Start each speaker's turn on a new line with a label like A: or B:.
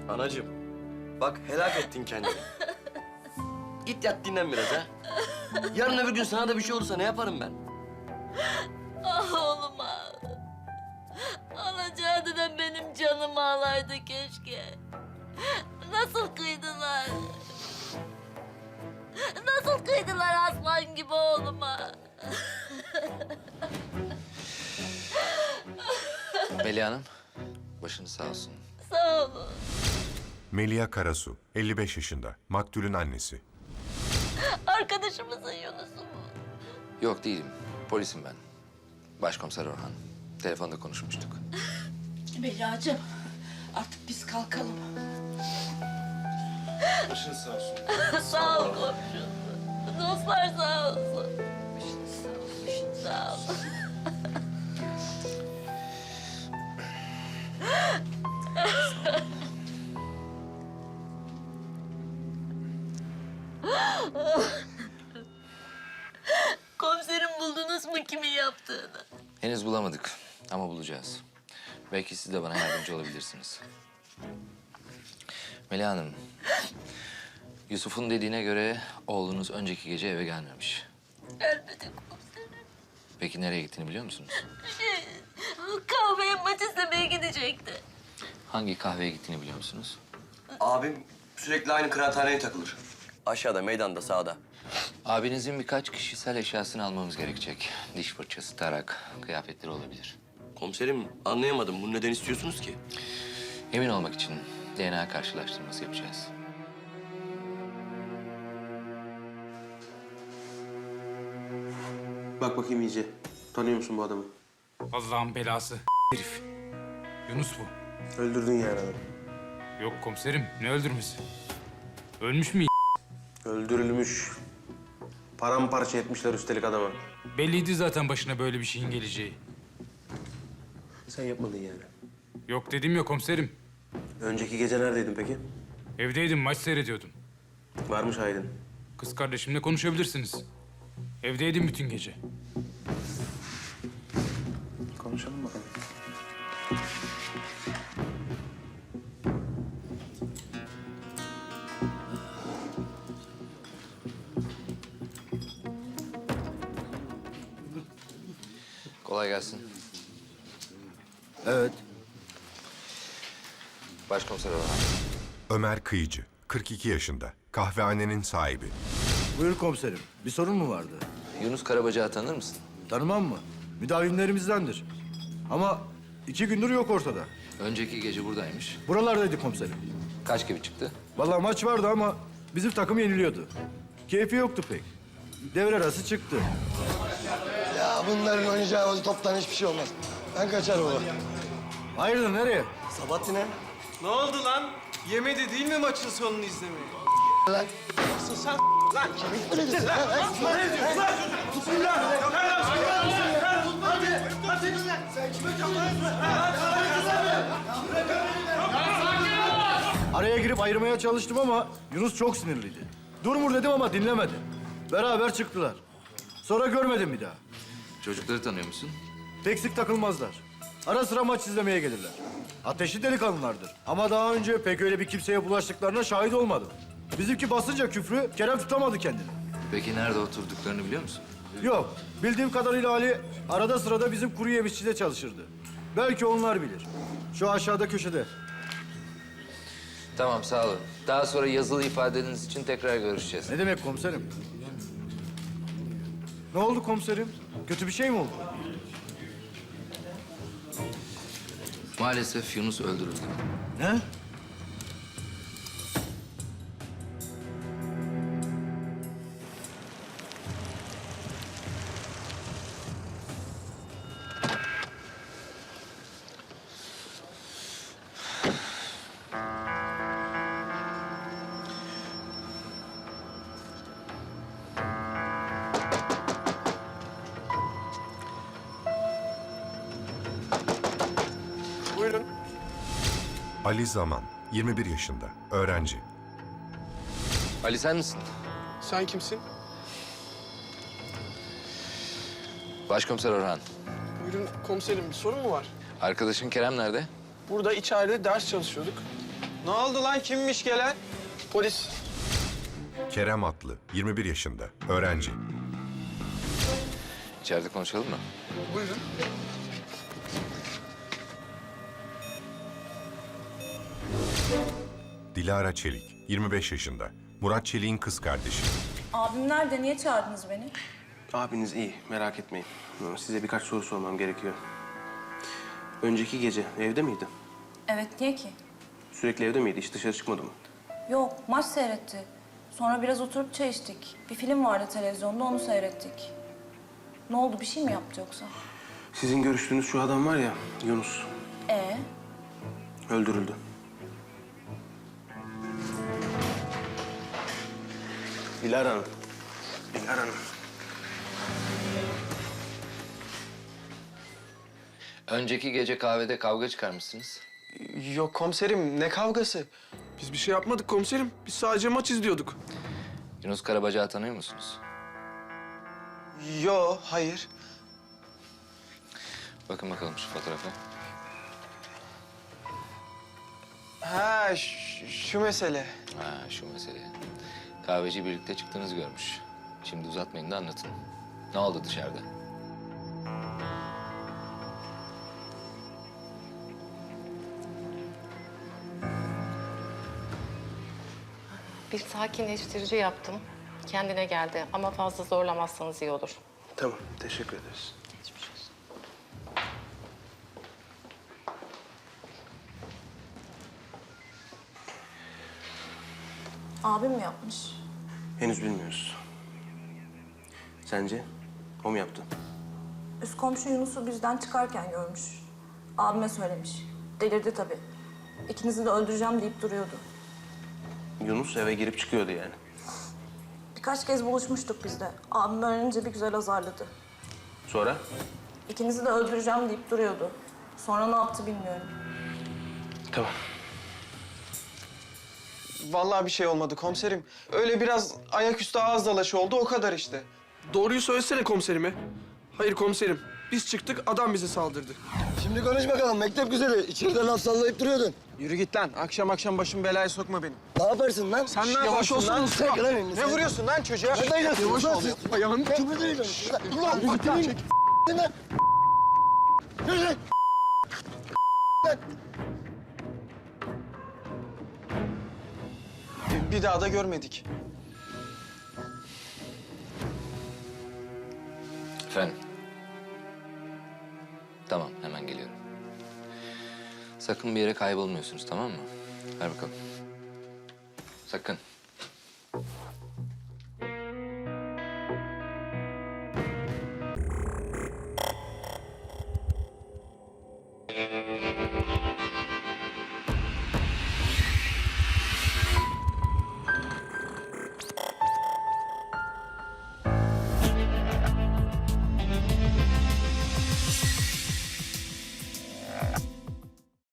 A: Anacığım, bak helak ettin kendini. Git yat dinlen biraz ha. Yarın öbür gün sana da bir şey olursa ne yaparım ben?
B: Ah oğlum ah. Alacağı da benim canımı alaydı keşke. Nasıl kıydılar? Nasıl kıydılar aslan gibi oğluma?
C: Melih Hanım, başınız sağ olsun.
B: Sağ olun.
D: Melia Karasu, 55 yaşında, maktulün annesi.
B: Arkadaşımızın Yunus'u mu?
C: Yok değilim, polisim ben. Başkomiser Orhan. Telefonda konuşmuştuk.
E: Melia'cığım artık biz kalkalım.
A: Başınız sağ olsun.
B: Sağ ol komşum. Dostlar sağ olsun. Sağ ol. Komiserim buldunuz mu kimin yaptığını?
C: Henüz bulamadık ama bulacağız. Belki siz de bana yardımcı olabilirsiniz. Melih Hanım, Yusuf'un dediğine göre oğlunuz önceki gece eve gelmemiş.
B: Gelmedi komiserim.
C: Peki nereye gittiğini biliyor musunuz?
B: Kahveye maç izlemeye gidecekti.
C: Hangi kahveye gittiğini biliyor musunuz?
A: Abim sürekli aynı kıraathaneye takılır. Aşağıda, meydanda, sağda.
C: Abinizin birkaç kişisel eşyasını almamız gerekecek. Diş fırçası, tarak, kıyafetleri olabilir.
A: Komiserim anlayamadım. Bunu neden istiyorsunuz ki?
C: Emin olmak için DNA karşılaştırması yapacağız.
F: Bak bakayım iyice. Tanıyor musun bu adamı?
G: Allah'ın belası herif. Yunus bu.
F: Öldürdün yani adamı.
G: Yok komiserim, ne öldürmesi? Ölmüş mü?
F: Öldürülmüş. Paramparça etmişler üstelik adama.
G: Belliydi zaten başına böyle bir şeyin geleceği.
F: Sen yapmadın yani.
G: Yok dedim ya komiserim.
F: Önceki gece neredeydin peki?
G: Evdeydim, maç seyrediyordum.
F: Varmış Aydın.
G: Kız kardeşimle konuşabilirsiniz. Evdeydim bütün gece.
F: Konuşalım bakalım.
C: Kolay gelsin.
H: Evet.
C: Başkomiser Orhan.
D: Ömer Kıyıcı, 42 yaşında, kahvehanenin sahibi.
H: Buyur komiserim. Bir sorun mu vardı?
C: Yunus Karabacak'ı tanır mısın?
H: Tanımam mı? Müdavimlerimizdendir. Ama 2 gündür yok ortada.
C: Önceki gece buradaymış.
H: Buralardaydı komiserim.
C: Kaç gibi çıktı?
H: Vallahi maç vardı ama bizim takım yeniliyordu. Keyfi yoktu pek. Devre arası çıktı.
I: Ya bunların oynayacağı o toptan hiçbir şey olmaz. Ben kaçar baba.
H: Hayırdır nereye?
I: Sabahattin'e.
J: Ne oldu lan? Yemedi değil mi maçın sonunu izlemeyi?
I: Lan.
J: Nasıl sen lan?
I: Kemik mi dedin?
J: Ne diyorsun lan? Tutun lan! Hadi! Sen kime çapıyorsun?
H: Araya girip ayırmaya çalıştım ama Yunus çok sinirliydi. Durmur dedim ama dinlemedi. Beraber çıktılar. Sonra görmedim bir daha.
C: Çocukları tanıyor musun?
H: Pek sık takılmazlar. Ara sıra maç izlemeye gelirler. Ateşli delikanlılardır. Ama daha önce pek öyle bir kimseye bulaştıklarına şahit olmadım. Bizimki basınca küfrü Kerem tutamadı kendini.
C: Peki nerede oturduklarını biliyor musun?
H: Yok, bildiğim kadarıyla Ali arada sırada bizim kuru yemişçide çalışırdı. Belki onlar bilir. Şu aşağıda köşede.
C: Tamam, sağ olun. Daha sonra yazılı ifadeniz için tekrar görüşeceğiz.
H: Ne demek komiserim? Ne oldu komiserim? Kötü bir şey mi oldu?
C: Maalesef Yunus öldürüldü.
H: Ne?
J: Buyurun.
D: Ali Zaman, 21 yaşında, öğrenci.
C: Ali sen misin?
J: Sen kimsin?
C: Başkomiser Orhan.
J: Buyurun komiserim, bir sorun mu var?
C: Arkadaşın Kerem nerede?
J: Burada içeride ders çalışıyorduk. Ne oldu lan? Kimmiş gelen?
I: Polis.
D: Kerem Atlı, 21 yaşında, öğrenci.
C: İçeride konuşalım mı?
I: Buyurun.
D: Dilara Çelik, 25 yaşında, Murat Çelik'in kız kardeşi.
E: Abim nerede? Niye çağırdınız beni?
F: Abiniz iyi, merak etmeyin. Size birkaç soru sormam gerekiyor. Önceki gece evde miydi?
E: Evet, niye ki?
F: Sürekli evde miydi? Hiç dışarı çıkmadı mı?
E: Yok, maç seyretti. Sonra biraz oturup çay içtik. Bir film vardı televizyonda, onu seyrettik. Ne oldu, bir şey mi yaptı yoksa?
F: Sizin görüştüğünüz şu adam var ya, Yunus. Öldürüldü. Dilara Hanım. Dilara Hanım.
C: Önceki gece kahvede kavga çıkarmışsınız.
J: Yok komiserim, ne kavgası? Biz bir şey yapmadık komiserim. Biz sadece maç izliyorduk.
C: Yunus Karabacağı tanıyor musunuz?
J: Yo, hayır.
C: Bakın bakalım şu fotoğrafa.
J: Ha, şu mesele.
C: Ha, şu mesele. Kahveci birlikte çıktığınızı görmüş. Şimdi uzatmayın da anlatın. Ne oldu dışarıda?
K: Bir sakinleştirici yaptım. Kendine geldi ama fazla zorlamazsanız iyi olur.
F: Tamam, teşekkür ederiz.
K: Geçmiş olsun.
E: Abim mi yapmış?
F: Henüz bilmiyoruz. Sence? O mu yaptı?
E: Üst komşu Yunus'u bizden çıkarken görmüş. Abime söylemiş. Delirdi tabii. İkinizi de öldüreceğim deyip duruyordu.
F: Yunus eve girip çıkıyordu yani.
E: Birkaç kez buluşmuştuk biz de. Abim öğrenince bir güzel azarladı.
F: Sonra?
E: İkinizi de öldüreceğim deyip duruyordu. Sonra ne yaptı bilmiyorum.
F: Tamam.
J: Vallahi bir şey olmadı komiserim. Öyle biraz ayaküstü ağız dalaşı oldu, o kadar işte. Doğruyu söylesene komiserime. Hayır komiserim, biz çıktık, adam bize saldırdı.
I: Şimdi konuş bakalım mektep güzeli. İçeride laf sallayıp duruyordun.
J: Yürü git lan, akşam akşam başım belaya sokma beni.
I: Ne yaparsın lan?
J: Sen ne
I: Yavaş
J: yaparsın
I: olsun
J: lan?
I: Çek lan elini.
J: Ne vuruyorsun lan çocuğa?
I: Ne dayanıyorsun?
J: Yavaş ol. Ayağını
I: Kıpır değil Ulan bak lan. Çek. Lan. Yürü lan. Lan.
J: Bir daha da görmedik.
C: Efendim? Tamam, hemen geliyorum. Sakın bir yere kaybolmuyorsunuz, tamam mı? Ver bakalım. Sakın.